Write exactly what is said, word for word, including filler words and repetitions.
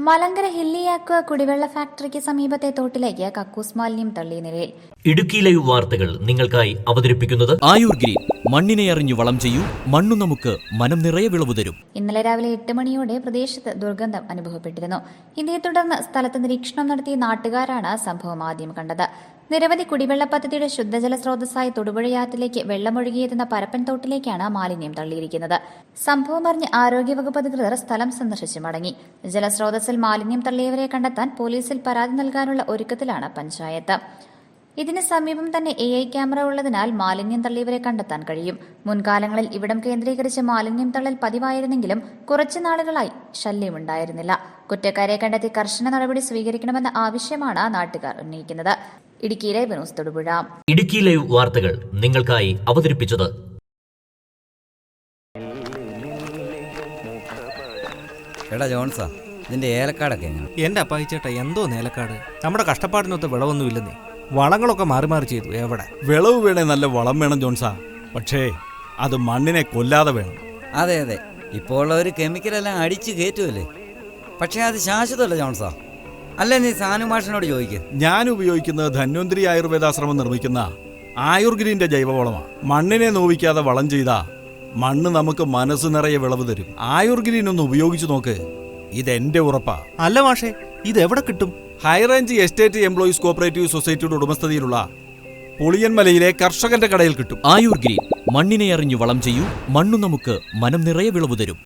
മലങ്കര ഹില്ലിയാക്വ കുടിവെള്ള ഫാക്ടറിക്ക് സമീപത്തെ തോട്ടിലേക്ക് കക്കൂസ് മാലിന്യം തള്ളിയ നിലയിൽ. ഇടുക്കി ലൈവ് വാർത്തകൾ നിങ്ങൾക്കായി അവതരിപ്പിക്കുന്നത് ആയുർ ഗ്രീൻ. മണ്ണിനെ അറിഞ്ഞു വളം ചെയ്യൂ, മണ്ണു നമുക്ക് മനം നിറയെ വിളവ് തരും. ഇന്നലെ രാവിലെ എട്ട് മണിയോടെ പ്രദേശത്ത് ദുർഗന്ധം അനുഭവപ്പെട്ടിരുന്നു. ഇതേ തുടർന്ന് സ്ഥലത്ത് നിരീക്ഷണം നടത്തിയ നാട്ടുകാരാണ് സംഭവം ആദ്യം കണ്ടത്. നിരവധി കുടിവെള്ള പദ്ധതിയുടെ ശുദ്ധജല സ്രോതസ്സായ തൊടുപുഴയാറ്റിലേക്ക് വെള്ളമൊഴുകിയെത്തുന്ന പരപ്പൻ തോട്ടിലേക്കാണ് മാലിന്യം തള്ളിയിരിക്കുന്നത്. സംഭവം അറിഞ്ഞ് ആരോഗ്യവകുപ്പ് അധികൃതർ സ്ഥലം സന്ദർശിച്ച് മടങ്ങി. ജലസ്രോതസ്സിൽ മാലിന്യം തള്ളിയവരെ കണ്ടെത്താൻ പോലീസിൽ പരാതി നൽകാനുള്ള ഒരുക്കത്തിലാണ് പഞ്ചായത്ത്. ഇതിന് സമീപം തന്നെ എ ഐ ക്യാമറ ഉള്ളതിനാൽ മാലിന്യം തള്ളിയവരെ കണ്ടെത്താൻ കഴിയും. മുൻകാലങ്ങളിൽ ഇവിടം കേന്ദ്രീകരിച്ച് മാലിന്യം തള്ളൽ പതിവായിരുന്നെങ്കിലും കുറച്ചു നാളുകളായി ശല്യമുണ്ടായിരുന്നില്ല. കുറ്റക്കാരെ കണ്ടെത്തി കർശന നടപടി സ്വീകരിക്കണമെന്ന ആവശ്യമാണ് നാട്ടുകാർ ഉന്നയിക്കുന്നത്. Idukki live news Thodupuzha. Idukki live വാർത്തകൾ നിങ്ങൾക്കായി അവതരിപ്പിച്ചത് എടാ ജോൺസാ, ഇതിന്റെ ഏലക്കാടൊക്കെ എങ്ങനെ? എന്റെ അപ്പായി ചേട്ടാ, എന്തോ ഏലക്കാട്? നമ്മുടെ കഷ്ടപ്പാടിനൊത്ത് വിളവൊന്നുമില്ലെന്നേ. വളങ്ങളൊക്കെ മാറി മാറി ചെയ്തു. എവിടെ വിളവ് വേണേ നല്ല വളം വേണം ജോൺസാ, പക്ഷേ അത് മണ്ണിനെ കൊല്ലാതെ വേണം. അതെ അതെ, ഇപ്പോൾ ഉള്ളവർ കെമിക്കലെല്ലാം അടിച്ച് കയറ്റുമല്ലേ. പക്ഷേ അത് ശാശ്വതമല്ല ജോൺസാ. അല്ലേ, നീ സാനു മാഷിനോട് ചോദിക്കുക. ഞാൻ ഉപയോഗിക്കുന്നത് ധന്വന്തരി ആയുർവേദാശ്രമം നിർമ്മിക്കുന്ന ആയുർ ഗ്രീൻ്റെ ജൈവവളമാണ്. മണ്ണിനെ നോവിക്കാതെ വളം ചെയ്താ മണ്ണ് നമുക്ക് മനസ്സ് നിറയെ വിളവ് തരും. ആയുർ ഗ്രീൻ ഒന്ന് ഉപയോഗിച്ചു നോക്ക്, ഇതെന്റെ ഉറപ്പാ. അല്ല മാഷേ, ഇത് എവിടെ കിട്ടും? ഹൈറേഞ്ച് എസ്റ്റേറ്റ് എംപ്ലോയീസ് കോപ്പറേറ്റീവ് സൊസൈറ്റിയുടെ ഉടമസ്ഥതയിലുള്ള പുളിയൻമലയിലെ കർഷകന്റെ കടയിൽ കിട്ടും. ആയുർ ഗ്രീൻ. മണ്ണിനെ അറിഞ്ഞു വളം ചെയ്യൂ, മണ്ണു നമുക്ക് മനം നിറയെ വിളവ് തരും.